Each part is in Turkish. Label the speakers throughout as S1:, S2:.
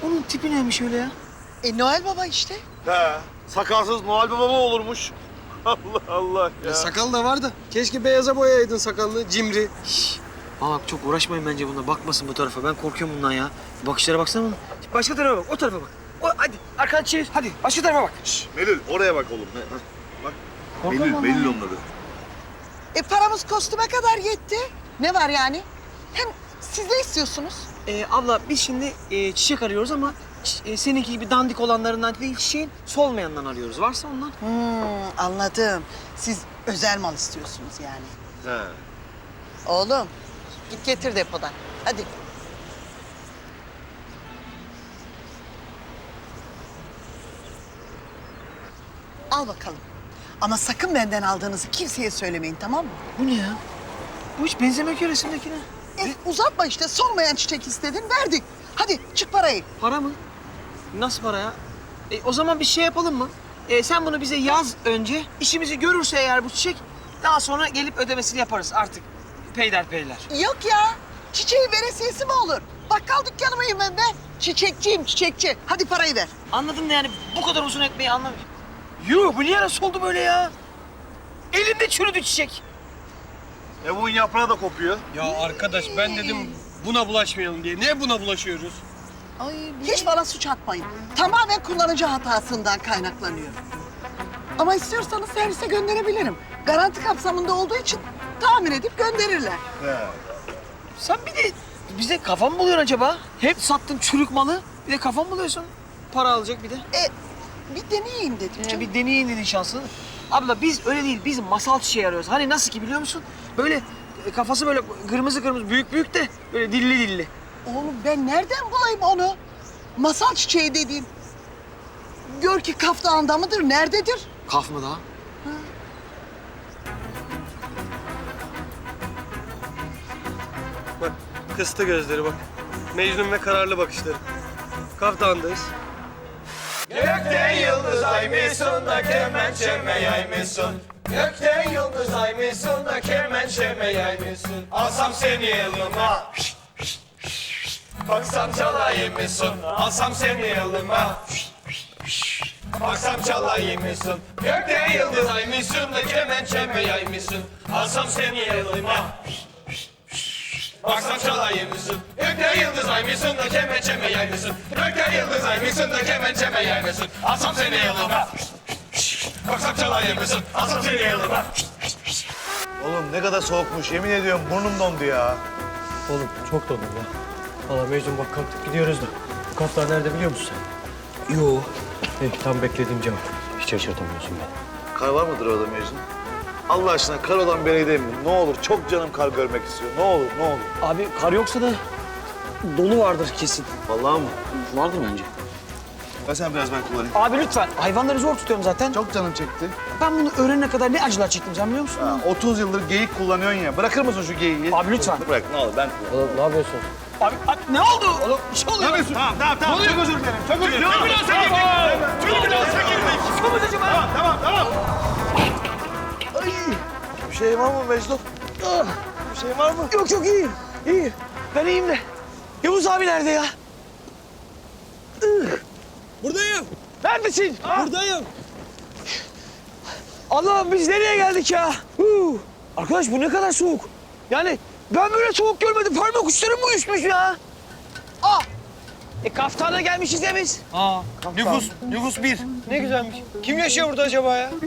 S1: Onun tipi neymiş öyle ya?
S2: Noel Baba işte.
S3: He. Sakalsız Noel Baba mı olurmuş? Allah Allah ya.
S4: Sakal da var da. Keşke beyaza boyayaydın sakalını, cimri.
S1: Aa, bak çok uğraşmayın bence bununla. Bakmasın bu tarafa. Ben korkuyorum bundan ya. Bakışlara baksana bana. Başka tarafa bak. O tarafa bak. Hadi arkanı çevir. Hadi başka tarafa bak.
S3: Melül oraya bak oğlum. Bak.
S1: Korkma
S3: Melül,
S1: lan.
S3: Melül onun adı.
S2: Paramız kostüme kadar yetti. Ne var yani? Hem siz ne istiyorsunuz?
S1: Abla biz şimdi çiçek arıyoruz ama seninki gibi dandik olanlarından değil, çiçeğin solmayanından arıyoruz. Varsa ondan.
S2: Anladım. Siz özel mal istiyorsunuz yani.
S3: He.
S2: Oğlum git getir depodan. Hadi. Al bakalım. Ama sakın benden aldığınızı kimseye söylemeyin, tamam mı?
S1: Bu ne ya? Bu hiç benzemiyor ki resimdekine.
S2: Uzatma işte, solmayan çiçek istedin, verdik. Hadi çık parayı.
S1: Para mı? Nasıl para ya? O zaman bir şey yapalım mı? Sen bunu bize yaz önce. İşimizi görürse eğer bu çiçek, daha sonra gelip ödemesini yaparız artık. Peyder.
S2: Yok ya, çiçeğin veresiyesi mi olur? Bakkal dükkanı mıyım ben be? Çiçekçiyim, çiçekçi. Hadi parayı ver.
S1: Anladın da yani bu kadar uzun etmeyi anlamıyorum. Yuh, bu niye nasıl oldu böyle ya? Elimde çürüdü çiçek.
S3: Bunun yaprağı da kopuyor.
S4: Ya arkadaş ben dedim buna bulaşmayalım diye. Niye buna bulaşıyoruz?
S2: Hiç bana suç atmayın. Tamamen kullanıcı hatasından kaynaklanıyor. Ama istiyorsanız servise gönderebilirim. Garanti kapsamında olduğu için tamir edip gönderirler.
S3: He.
S1: Sen bir de bize kafa mı buluyorsun acaba? Hep sattın çürük malı, bir de kafa mı buluyorsun? Para alacak bir de.
S2: Bir deneyeyim dedim canım.
S1: Bir deneyin dedin şansını. Abla biz öyle değil, biz masal çiçeği arıyoruz. Hani nasıl ki biliyor musun? Böyle kafası böyle kırmızı büyük de böyle dilli.
S2: Oğlum ben nereden bulayım onu? Masal çiçeği dediğin. Gör ki Kaf Dağı'nda mıdır, nerededir?
S1: Kaf mı daha?
S4: Bak kıstı gözleri bak. Mecnun ve kararlı bakışları. Kaf Dağı'ndayız.
S5: Gökte yıldız aymışsın da kemençeme yaymışsın. Gökte yıldız aymışsın da kemençeme yaymışsın. Alsam seni yılıma, baksam çalayım mısın? Alsam seni yılıma, baksam çalayım mısın? Gökte yıldız aymışsın da kemençeme yaymışsın. Alsam seni yılıma, baksam çalayım mısın? Gökte yıldız aymışsın da kemençeme yaymışsın. Gökte yıldız aymışsın da kemençeme yaymışsın. Alsam seni yılıma, baksam çalayım mısın? Alsam seni yılıma.
S3: Oğlum ne kadar soğukmuş. Yemin ediyorum burnum dondu ya.
S4: Oğlum çok dondum ya. Valla Mecnun bak kalktık gidiyoruz da. Bu Kaf Dağı nerede biliyor musun sen?
S1: Yo.
S4: Tam beklediğim cevap. Hiç şaşırtamıyorsun beni.
S3: Kar var mıdır orada Mecnun? Allah aşkına kar olan bir yere gidelim mi? Ne olur çok canım kar görmek istiyor. Ne olur.
S1: Abi kar yoksa da dolu vardır kesin.
S3: Vallahi mı?
S1: Vardır bence.
S3: Ver sen biraz ben kullanayım.
S1: Abi lütfen. Hayvanları zor tutuyorum zaten.
S3: Çok canım çekti.
S1: Ben bunu öğrenene kadar ne acılar çektim sen biliyor musun?
S3: Ha, 30 yıldır geyik kullanıyorsun ya. Bırakır mısın şu geyiği?
S1: Abi lütfen.
S3: Bırak ne olur ben kullanayım.
S4: Oğlum ne yapıyorsun?
S1: Abi ne oldu? Oğlum bir şey oluyor.
S3: Tamam. Çok özür dilerim. Çok özür dilerim.
S1: Çok acıcım ha.
S3: Tamam. Bir şey var mı Mecnun? Bir şey var mı?
S1: Yok çok iyiyim. İyi. Ben iyiyim de. Yavuz abi nerede ya?
S4: Buradayım.
S1: Neredesin?
S4: Buradayım.
S1: Allah'ım biz nereye geldik ya? Arkadaş bu ne kadar soğuk. Yani ben böyle soğuk görmedim. Parmak uçlarım mı üşmüş ya? Kaftana gelmişiz ya biz.
S4: Nüfus 1. Ne güzelmiş. Kim yaşıyor burada acaba ya?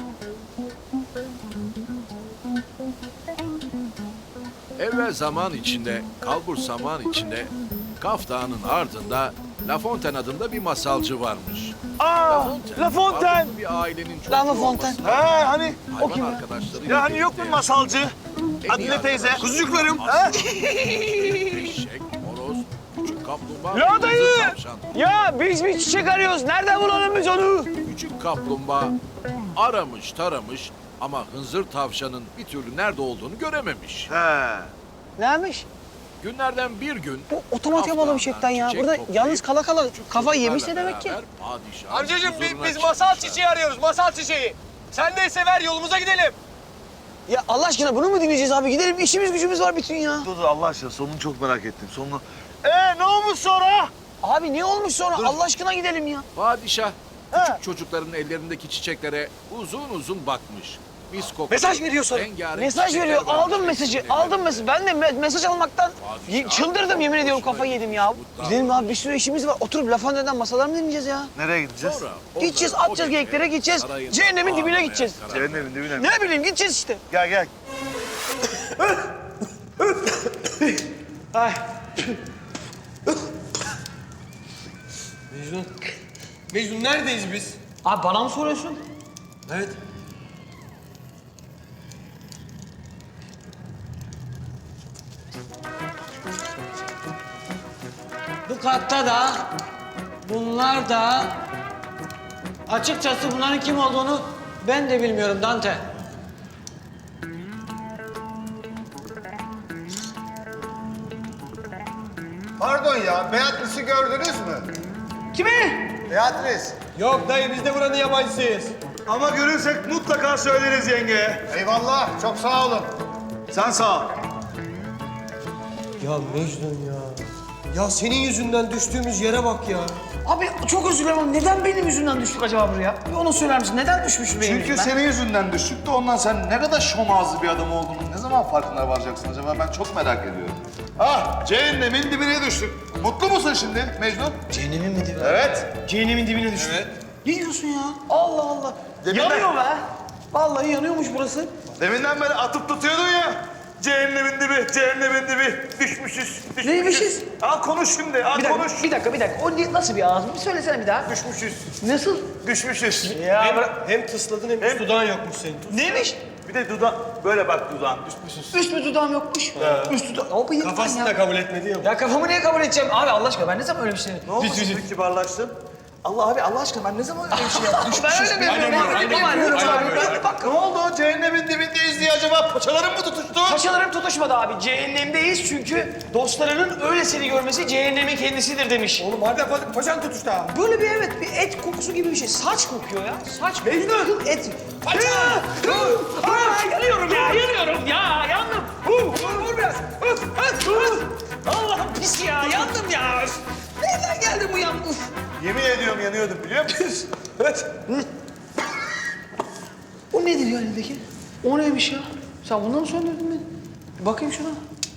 S6: Evvel zaman içinde, kalbur zaman içinde, Kaf Dağı'nın ardında La Fontaine adında bir masalcı varmış.
S1: La Fontaine.
S6: varlıklı bir ailenin çocuğu
S1: La Fontaine.
S6: olmasına
S3: Ha hani?
S6: hayvan arkadaşlarıyla
S3: Ya hani yok mu
S6: birlikte
S3: masalcı?
S6: en iyi
S3: Adile teyze.
S6: arkadaşları,
S3: Kuzucuklarım.
S6: Eşek, horoz, küçük kaplumbağa,
S1: Ya
S6: kırmızı
S1: dayı!
S6: tavşan.
S1: Ya biz bir çiçek arıyoruz. Nereden bulalım biz onu?
S6: Küçük kaplumbağa aramış taramış ama hınzır tavşanın bir türlü nerede olduğunu görememiş.
S3: He.
S1: Neymiş?
S6: Günlerden bir gün...
S1: Bu otomatik
S6: Kaf
S1: havalı bir şeyden ya.
S6: Çiçek
S1: Burada
S6: toplayıp
S1: yalnız kala
S6: küçük
S1: kafa yemiş ne
S6: çocuklarla
S1: demek ki?
S6: beraber padişahın
S5: Amcacığım
S6: huzuruna
S5: biz masal
S6: çıkmışlar.
S5: çiçeği arıyoruz, masal çiçeği. Sen neyse ver yolumuza gidelim.
S1: Ya Allah aşkına bunu mu dinleyeceğiz abi? Gidelim işimiz gücümüz var bütün ya.
S3: Dur Allah aşkına sonunu çok merak ettim. Sonunu. Ne olmuş sonra?
S1: Abi ne olmuş sonra? Allah aşkına gidelim ya.
S6: Padişah küçük çocukların ellerindeki çiçeklere uzun uzun bakmış. Mis kokulu,
S1: Mesaj veriyor sonra.
S6: rengarenk
S1: Mesaj
S6: çiçekler
S1: veriyor.
S6: varmış
S1: Aldım mesajı.
S6: ellerinde.
S1: Aldım mesajı. Ben de mesaj almaktan
S6: Padişah,
S1: çıldırdım yemin ediyorum, kafayı yedim ya.
S6: Mutlu.
S1: Gidelim abi, bir sürü işimiz var. Oturup laf neden masalar mı dinleyeceğiz ya?
S3: Nereye gideceğiz?
S6: Sonra
S1: Gideceğiz,
S6: onları
S1: atacağız
S6: o gece
S1: geyiklere, gideceğiz.
S6: sarayın
S1: Cehennemin dibine
S6: ağlamaya
S1: gideceğiz.
S6: karar
S3: Cehennemin dibine mi?
S1: Ne bileyim, gideceğiz işte.
S3: Gel gel.
S1: Ay.
S4: Mecnun. Mecnun neredeyiz biz?
S1: Abi bana mı soruyorsun?
S4: Evet.
S1: Bu katta da, bunlar da... Açıkçası bunların kim olduğunu ben de bilmiyorum Dante.
S7: Pardon ya, Beatrice'i gördünüz mü?
S1: Kimi?
S7: Beatrice.
S4: Yok dayı biz de buranın yabancısıyız.
S3: Ama görürsek mutlaka söyleriz yengeye.
S7: Eyvallah, çok sağ olun.
S3: Sen sağ ol.
S4: Ya Mecnun ya. Ya senin yüzünden düştüğümüz yere bak ya.
S1: Abi çok özür dilerim ama neden benim yüzümden düştük acaba buraya? Bir onu söyler misin? Neden düşmüşüm benim
S3: Çünkü
S1: yüzümden?
S3: senin yüzünden düştük de ondan sen ne kadar şomazlı bir adam olduğunu ne zaman farkına varacaksın acaba? Ben çok merak ediyorum. Ah, cehennemin dibine düştük. Mutlu musun şimdi Mecnun?
S1: Cehennemin mi dibi?
S3: Evet.
S1: Cehennemin dibine düştük.
S4: Evet.
S1: Ne diyorsun ya? Allah Allah.
S3: Deminden-
S1: Yanıyor be. Vallahi yanıyormuş burası.
S3: Deminden beri atıp tutuyordun ya. Cehennemin dibi, cehennemin dibi. Düşmüşüz.
S1: Neymişiz?
S3: Al konuş şimdi, al
S1: Bir dakika,
S3: konuş.
S1: bir dakika. O nasıl bir ağız? Bir söylesene bir daha.
S3: Düşmüşüz,
S1: Nasıl?
S3: düşmüşüz.
S4: Hem tısladın hem dudağın yokmuş senin.
S1: Neymiş?
S3: Bir de böyle bak dudağın, düşmüşüz.
S1: Üst mü dudağım yokmuş? Üst dudağım. O bıyık
S4: Kafasını
S1: ya.
S4: da kabul etmedi ya.
S1: Ya kafamı niye kabul edeceğim? Abi Allah aşkına ben ne zaman öyle bir şey...
S3: Ne oldu şimdi kibarlaştın? Allah abi, Allah aşkına ben ne zaman öyle bir şey yaptım?
S1: Ben öyle bilmiyorum. Bak
S3: Ne oldu? Cehennemin dibindeyiz diye acaba paçaların mı tutuştu?
S1: paçalarım tutuşmadı abi. Cehennemdeyiz çünkü dostlarının öyle seni görmesi cehennemin kendisidir demiş.
S4: Oğlum hadi paçan tutuştu ha.
S1: Böyle bir evet, bir et kokusu gibi bir şey. Saç kokuyor ya. Saç. Mecnun. Et. Paça. Yanıyorum ya, yanıyorum ya. Yandım. Vur biraz. Allah'ım pis ya, yandım ya. Nereden geldi bu yandım?
S3: Yemin ediyorum yanıyordum biliyor musun?
S1: Evet. O nedir ya elindeki? O neymiş ya? Sen bundan mı söndürdün beni? Bir bakayım şuna.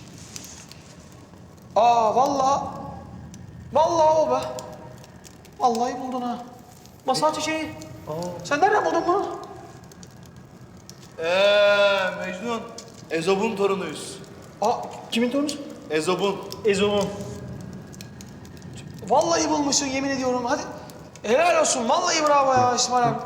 S1: Aa vallahi. Vallahi o be. Vallahi buldun ha. Masal çiçeği. Sen nereden buldun bunu?
S3: Mecnun. Ezob'un torunuyuz.
S1: Aa kimin torunusu?
S3: Ezob'un.
S1: Ezo'nun. Vallahi bulmuşsun yemin ediyorum. Hadi. Helal olsun. Vallahi bravo ya İsmail abi.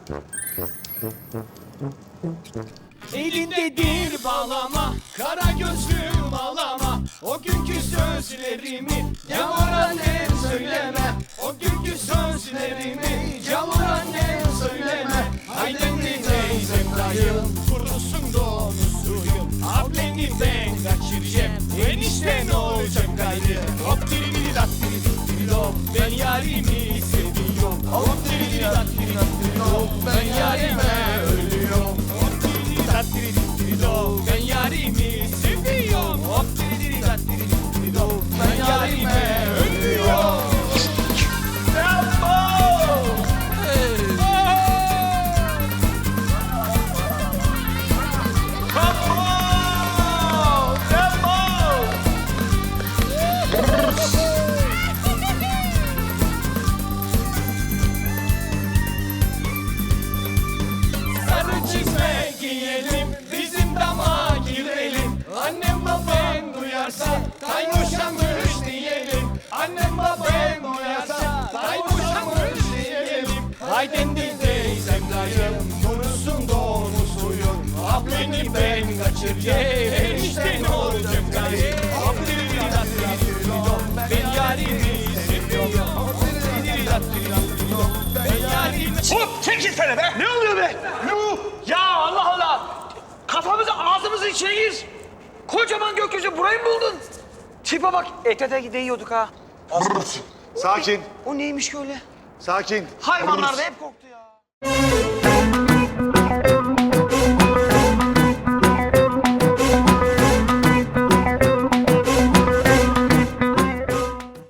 S5: Elindedir bağlama, kara gözlüm ağlama. O günkü sözlerimi yavur annem söyleme. O günkü sözlerimi yavur annem söyleme. Haydendi teyzem dayım, kurusun donuzuyum. Ableni ben kaçıracağım, enişten olacağım gayrı. Hop diri diri dat diri diri do, ben yarimi seviyorum. Hop diri diri dat diri diri do, ben yarime ölüyorum. Ben yarimi seviyorum. Hop diri diri dat diri diri do. Ben yarime ölüyorum. Sarı çizme giyelim, bizim dama girelim. Annem babam duyarsa, kayboşamış diyelim. Annem babam duyarsa, kayboşamış diyelim. Haydendi teyzem dayım, kurusun donuzuyum. Ableni ben kaçıracağım, enişten olacağım gayrı. Abdiri dat diri do, ben yarimi seviyorum. Abdiri dat diri do, ben yarimi...
S1: Hop çekilsene be. Ne oluyor be? Yuh. Ya Allah Allah. Kafamızı ağzımızın içine gir. Kocaman gökyüzü burayı mı buldun? Tipe bak. Ete de değiyorduk ha.
S3: Sakin,
S1: O neymiş ki öyle?
S3: sakin.
S1: Hayvanlar da hep korktu ya.